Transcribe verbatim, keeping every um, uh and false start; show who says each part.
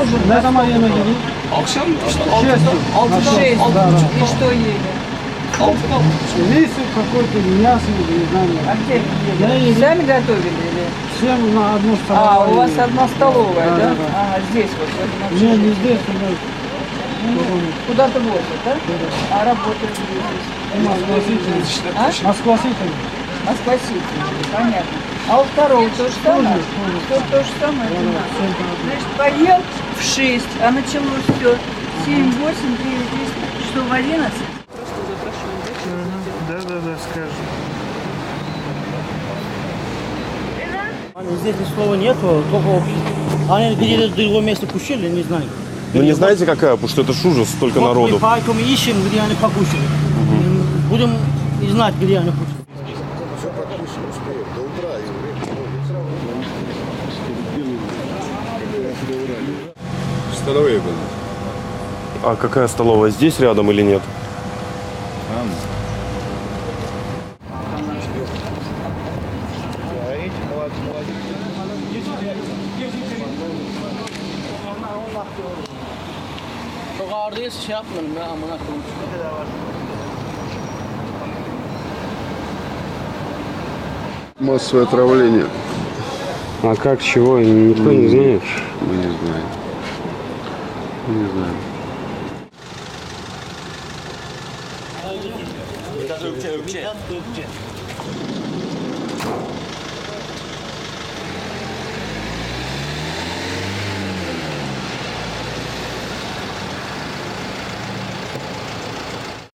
Speaker 1: Ne zaman yemeğe gidiyor?
Speaker 2: Akşam işte altıda, altıda,
Speaker 3: Шесть.
Speaker 2: altı
Speaker 1: да, да.
Speaker 2: buçuk,
Speaker 3: И что ели?
Speaker 2: altıda.
Speaker 1: Рис какой-то, мясо или не знаю.
Speaker 3: А где
Speaker 1: Я
Speaker 3: ели?
Speaker 1: ели
Speaker 3: Сами готовили или?
Speaker 1: всем на одну
Speaker 3: А,
Speaker 1: столовую.
Speaker 3: у вас одна столовая,
Speaker 1: Да,
Speaker 3: да?
Speaker 1: да, да.
Speaker 3: Ага, здесь вот. в этом
Speaker 1: Не,
Speaker 3: общежитии.
Speaker 1: не здесь, у нас
Speaker 3: Куда-то возят, да? А работают здесь.
Speaker 1: Москва Сити.
Speaker 3: А?
Speaker 1: Москва Сити.
Speaker 3: Москва Сити. Понятно. А у второго то же самое? То, то же самое? одинаково. Значит, поел в шесть, а началось все семь, восемь, девять, десять, что в одиннадцать?
Speaker 1: Да, да, да, скажем.
Speaker 4: Здесь ни слова нету, только они где-то в другом месте кушали, не знаю.
Speaker 5: Ну не знаете какая, потому что это ж ужас, столько
Speaker 4: Вот
Speaker 5: народу.
Speaker 4: мы поэтому ищем, где они покушали. Будем и знать, где они кушали.
Speaker 6: Столовые были.
Speaker 5: А какая столовая, здесь рядом или нет?
Speaker 4: Çok ağırdayız, şey yapmayalım ya, amına koyayım.
Speaker 6: Массовое отравление.
Speaker 7: А как, чего, никто не знает?
Speaker 6: Мы не знаем. Не знаем.